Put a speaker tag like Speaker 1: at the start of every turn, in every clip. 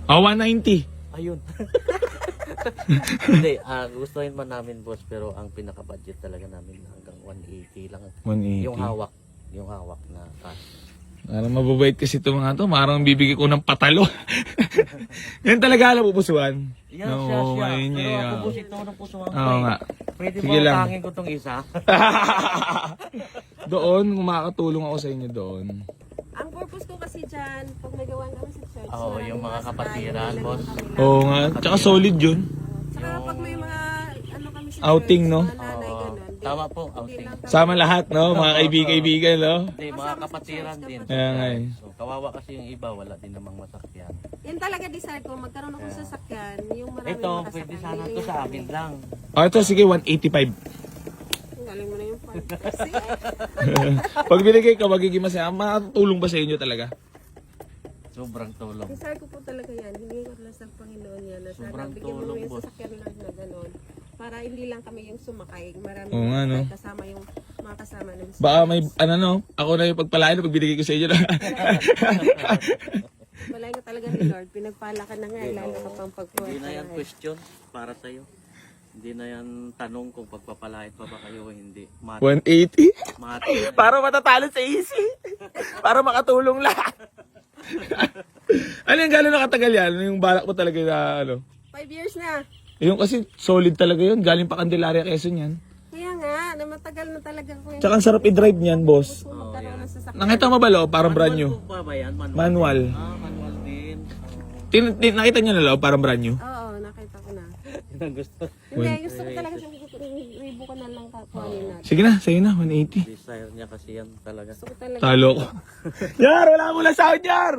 Speaker 1: Oh, 190.
Speaker 2: Ayun. Hindi, gustuhin man namin boss, pero ang pinaka-budget talaga namin hanggang 180 lang.
Speaker 1: 180.
Speaker 2: Yung hawak na cash.
Speaker 1: Parang mababait kasi ito mga to. Parang bibigay ko ng patalo. Yan talaga alam pupusuan.
Speaker 2: Yan siya.
Speaker 1: ngayon
Speaker 2: Pero
Speaker 1: niya.
Speaker 2: ako boss, ito ng puso ang
Speaker 1: Oo nga.
Speaker 2: Pwede
Speaker 1: Sige
Speaker 2: ba
Speaker 1: lang.
Speaker 2: utangin ko tong isa?
Speaker 1: Doon, makakatulong ako sa inyo doon.
Speaker 3: Ang purpose ko kasi dyan, pag may gawan kami sa church,
Speaker 2: Oo, yung mga kapatiran, boss.
Speaker 1: Oo nga. Tsaka solid yun.
Speaker 3: Saka pag may mga ano kami sa
Speaker 1: Outing,
Speaker 3: church,
Speaker 1: no?
Speaker 3: mga nanay,
Speaker 2: Oo.
Speaker 3: ganun. Di-
Speaker 2: Tama po,
Speaker 3: hindi
Speaker 2: outing.
Speaker 3: lang kami-
Speaker 1: Sama lahat, no? Mga kaibigan, no?
Speaker 2: Hindi, mga kapatiran din.
Speaker 1: Kaya nga eh.
Speaker 2: So, kawawa kasi yung iba, wala din namang masakyan.
Speaker 3: Yan talaga desire ko, magkaroon ako sa sasakyan, yung marami
Speaker 2: Ito, pwede sana to sa amin lang.
Speaker 1: O, ito, sige, 185.
Speaker 3: Galing mo na yung part. Kasi,
Speaker 1: Pag binigay ka, magiging masaya. Makatulong ba sa inyo talaga?
Speaker 2: Sobrang tulong.
Speaker 3: desire ko po talaga yan. Hindi ko lang sa Panginoon yan. Na sana
Speaker 2: Sobrang
Speaker 3: bigyan mo
Speaker 2: tulong,
Speaker 3: yung
Speaker 2: boss.
Speaker 3: sasakyan lang na gano'n. Para hindi lang kami yung sumakay. Marami
Speaker 1: Oo nga, no?
Speaker 3: kasama yung mga kasama ng
Speaker 1: Baka may, ano no, ako na yung pagpalain pag binigay ko sa inyo.
Speaker 3: Malay ka talaga ni Lord. Pinagpala ka na nga. Lalo ka pang pagpuha.
Speaker 2: Hindi na yan question para sa'yo. Hindi na yan tanong kung pagpapalait pa ba kayo o hindi.
Speaker 1: 180?
Speaker 2: Mati.
Speaker 1: Para matatalo sa easy. Para makatulong lahat. Ano yung gano'n nakatagal yan? Ano yung balak mo talaga na ano?
Speaker 3: 5 years na.
Speaker 1: Yung kasi solid talaga yun. Galing pa Candelaria, Quezon yan.
Speaker 3: Kaya nga, na matagal na talaga ko yung
Speaker 1: Tsaka ang sarap i-drive niyan, boss.
Speaker 3: magkaroon ng sasakyan.
Speaker 1: Nakita mo ba, lo? Parang brand new.
Speaker 2: Manual po ba yan?
Speaker 1: Manual.
Speaker 2: Manual din.
Speaker 1: Nakita niyo na, lo? Parang brand new.
Speaker 3: Oo, nakita ko na.
Speaker 2: Yun ang gusto.
Speaker 3: Hindi, gusto ko talaga siya ribo ko na lang kakuhanin natin.
Speaker 1: Sige na, sa'yo na, 180.
Speaker 2: Desire niya kasi yan talaga.
Speaker 3: Gusto ko talaga.
Speaker 1: Talo ko. Yar, wala mo lang sound, Yar!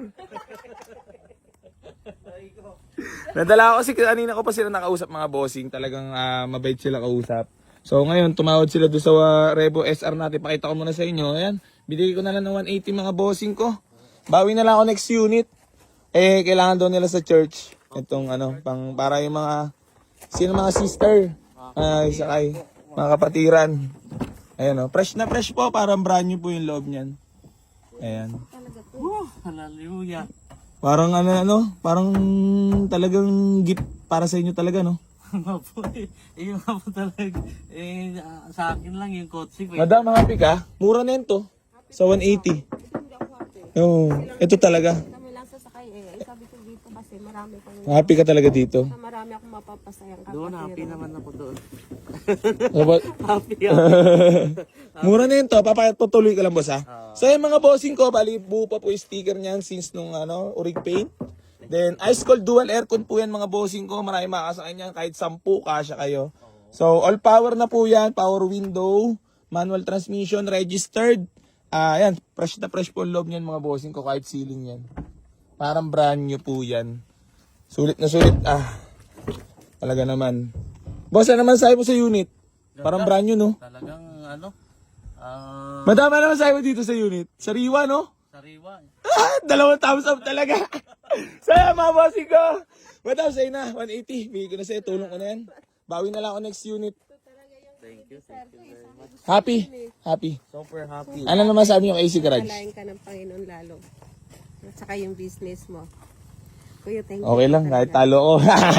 Speaker 1: Nadala ako kasi kanina ko pa sila nakausap mga bossing. Talagang mabait sila kausap. So ngayon, tumawad sila doon sa Revo SR natin. Pakita ko muna sa inyo. Ayan, binigay ko na lang ng 180 mga bossing ko. Bawi na lang ako next unit. Eh, kailangan doon nila sa church. Itong ano, para yung mga, sino mga sister. Sakay, mga kapatiran. Ayan o, fresh na fresh po. Parang brand new po yung loob niyan. Ayan.
Speaker 3: Talaga to.
Speaker 2: Hallelujah.
Speaker 1: Parang parang talagang gift para sa inyo talaga, no?
Speaker 2: Mapo yung nga po talaga. Sa akin lang yung kotse.
Speaker 1: Madam, happy ka? Mura na yun to. Sa 180.
Speaker 3: Hindi ako happy.
Speaker 1: Oo, ito talaga.
Speaker 3: Kami lang sasakay eh. Ay, sabi ko dito kasi marami pang
Speaker 1: Happy ka talaga dito.
Speaker 3: marami akong mapapasayang
Speaker 2: Doon, happy naman ako doon. Happy
Speaker 1: Mura na yun to. Papatuloy ka lang, boss, ha? So, yung mga bossing ko, bali, buo pa po yung sticker niyan since nung, Urig Paint. Then, ice cold dual aircon po yan, mga bossing ko. Marami makakasakay niyan. Kahit 10, kasya kayo. So, all power na po yan. Power window, manual transmission, registered. Yan, fresh na fresh po ang loob niyan, mga bossing ko. Kahit ceiling yan. Parang brand new po yan. Sulit na sulit. Talaga naman. Boss, ano naman sabi mo sa unit? Parang brand new, no?
Speaker 2: Talagang
Speaker 1: Madama naman sabi mo dito sa unit. Sariwa, no?
Speaker 2: sariwa.
Speaker 1: Dalawang thumbs up talaga. Saya, mga bossing ko. Madam, sa'yo na. 180. Bigay ko na sa'yo. Tulong ko na yan. Bawi na lang ako next unit.
Speaker 2: Thank you very much.
Speaker 1: Happy. Happy.
Speaker 2: Super happy.
Speaker 1: Ano naman sabi yung AC Garage?
Speaker 3: Palayan ka ng Panginoon lalo. At saka yung business mo. Kuya, thank you.
Speaker 1: Okay lang. Kahit talo ko.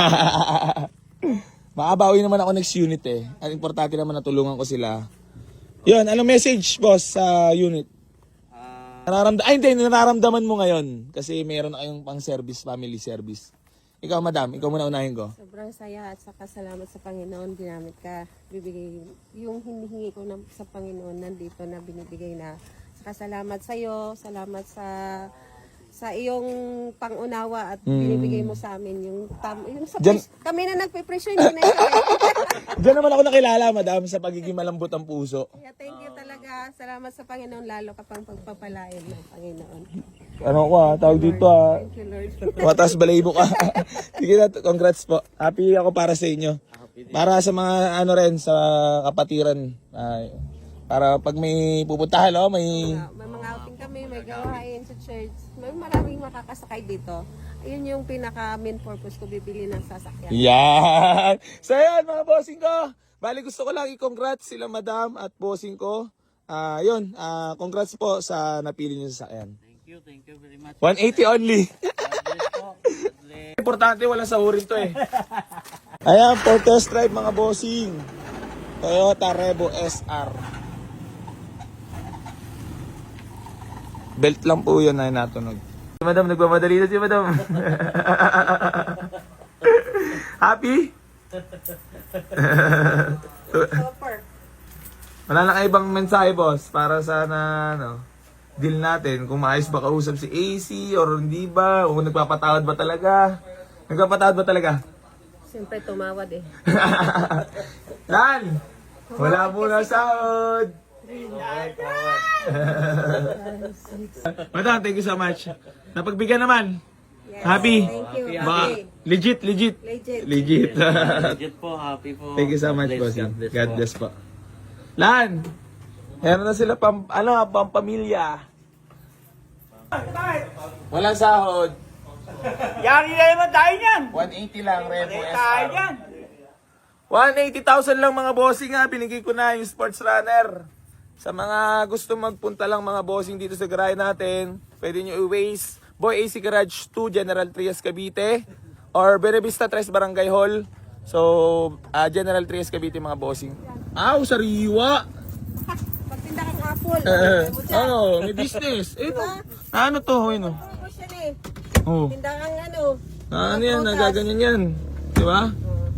Speaker 1: Makabawi naman ako next unit eh. Ang importante naman natulungan ko sila. Yun, anong message, boss, sa unit? Hindi, nararamdaman mo ngayon. Kasi meron na kayong pang service, family service. Ikaw, madam, ikaw muna unahin ko.
Speaker 3: Sobrang saya at saka salamat sa Panginoon. Ginamit ka. Bibigay yung hinihingi ko sa Panginoon nandito na binibigay na. Saka salamat sa iyo. Salamat sa iyong pangunawa at binibigay mo sa amin yung kami na nagpe-pressure hindi na
Speaker 1: Diyan naman ako nakilala, madam, sa pagiging malambot ang puso.
Speaker 3: Kaya thank you talaga. Salamat sa Panginoon lalo ka pang pagpapalain ng Panginoon.
Speaker 1: Ano ko tawag dito
Speaker 3: Thank you Lord.
Speaker 1: Matas balayibo ka. Sige na, congrats po. Happy ako para sa inyo. Para sa mga sa kapatiran. Para pag may pupuntahan, may...
Speaker 3: May mga outing kami, may gawain sa church. May maraming makakasakay dito. Ayun yung pinaka main purpose ko, bibili ng sasakyan.
Speaker 1: Yan! So yan, mga bossing ko. Bali, gusto ko lang i-congrats sila madam at bossing ko. Congrats po sa napili niyo sa sasakyan.
Speaker 2: Thank you very much.
Speaker 1: 180 only.
Speaker 2: God bless po. God bless.
Speaker 1: Importante, walang sahurin to eh. Ayan, for test drive mga bossing. Toyota Revo SR. Belt lang po yun ay natunog. Si Madam, nagmamadali na si Madam. Happy?
Speaker 3: Super.
Speaker 1: Wala na kayo ibang mensahe, boss, para sana, deal natin. Kung maayos ba kausap si AC or hindi ba? O nagpapatawad ba talaga? Nagpapatawad ba talaga?
Speaker 3: Siyempre tumawad eh.
Speaker 1: Lan! Wala muna sahod! Madam, thank you so much. Napagbigyan naman.
Speaker 3: Yes,
Speaker 1: Happy?
Speaker 3: Thank you.
Speaker 1: Baka,
Speaker 3: Happy.
Speaker 1: legit.
Speaker 3: Legit.
Speaker 1: Legit.
Speaker 2: Legit po, happy po.
Speaker 1: Thank you so much,
Speaker 2: God
Speaker 1: boss.
Speaker 2: bless,
Speaker 1: God bless po. Lan! Meron na sila pampamilya. Walang sahod.
Speaker 4: Yari na naman tayo niyan.
Speaker 1: 180 lang, Revo
Speaker 4: Tayo
Speaker 1: SR.
Speaker 4: niyan.
Speaker 1: 180,000 lang mga bossing ha. Binigay ko na yung sports runner. Sa mga gusto magpunta lang mga bossing dito sa garahe natin, pwede nyo i-waste Boy AC Garage 2, General Trias, Cavite. Or Benavista Tres Barangay Hall. So, General Trias, Cavite mga bossing. Aw, sariwa!
Speaker 3: Magtinda kang apple.
Speaker 1: May business. Ano to? Ano?
Speaker 3: Promotion eh.
Speaker 1: Oh.
Speaker 3: Tinda kang
Speaker 1: Ano yan? Nagaganyan yan. Di ba?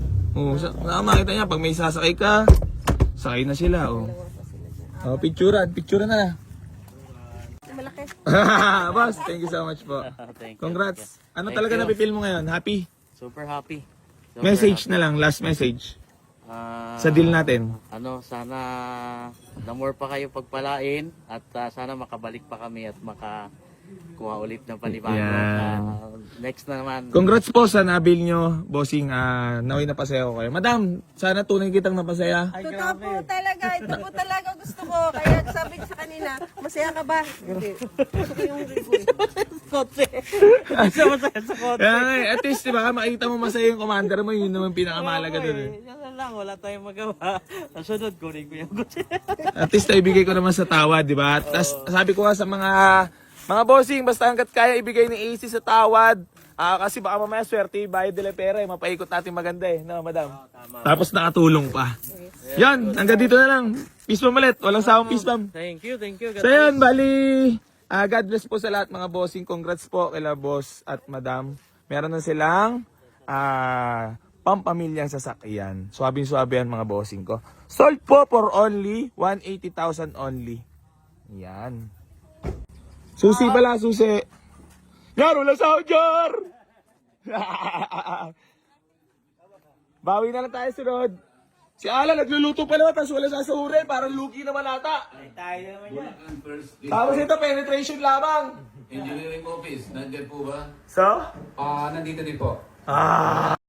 Speaker 1: Makita niya, pag may sasakay ka, sakay na sila. Picturean na.
Speaker 3: Malaki.
Speaker 1: Boss, thank you so much po.
Speaker 2: Thank you.
Speaker 1: Congrats. Ano
Speaker 2: Thank
Speaker 1: talaga
Speaker 2: you.
Speaker 1: napipil mo ngayon? Happy?
Speaker 2: Super happy. Super
Speaker 1: Message
Speaker 2: happy.
Speaker 1: na lang, last message.
Speaker 2: Ah,
Speaker 1: Sa deal natin.
Speaker 2: Sana na more pa kayo pagpalain at sana makabalik pa kami at makakuha ulit ng panibago.
Speaker 1: Yan.
Speaker 2: Next na naman.
Speaker 1: Congrats po sa nabil nyo, bossing. Naway napasaya ko kayo. Madam, sana tunay kitang napasaya.
Speaker 3: Totoo po talaga. Ito po talaga gusto ko. Kaya sabi ko sa kanina, masaya ka ba? Hindi. Gusto ko yung review.
Speaker 2: Kotse. Isa masaya sa kotse.
Speaker 1: At least, di ba, makita mo masaya yung commander mo, yun naman pinakamalaga dun.
Speaker 2: Yan na lang, wala tayong magawa. Nasunod, kunin ko yung kotse.
Speaker 1: At least, ibigay ko naman sa tawad, di ba? Tapos, sabi ko nga sa mga bossing, basta hanggat kaya ibigay ni AC sa tawad. Kasi baka mamaya swerte, bayad nila pera, mapaikot natin maganda no, madam? Tapos nakatulong pa. Yan, hanggang dito na lang. Peace bomb ulit, walang sawang peace bomb.
Speaker 2: Thank you.
Speaker 1: So yun, bali, God bless po sa lahat mga bossing. Congrats po kila boss at madam. Meron na silang pampamilyang sasakyan. Suwabing-suwabe yan mga bossing ko. Sold po for only 180,000 only. Yan. Susi pala, susi. Yar, wala sahod, Jar! Bawi na lang tayo sunod. Si Ala, nagluluto pa naman, tapos wala sasahurin. Parang lugi naman ata.
Speaker 4: Tayo naman yan.
Speaker 1: Tapos ito, penetration lamang.
Speaker 5: Engineering office, nandiyan po ba?
Speaker 1: So?
Speaker 5: Nandito din po.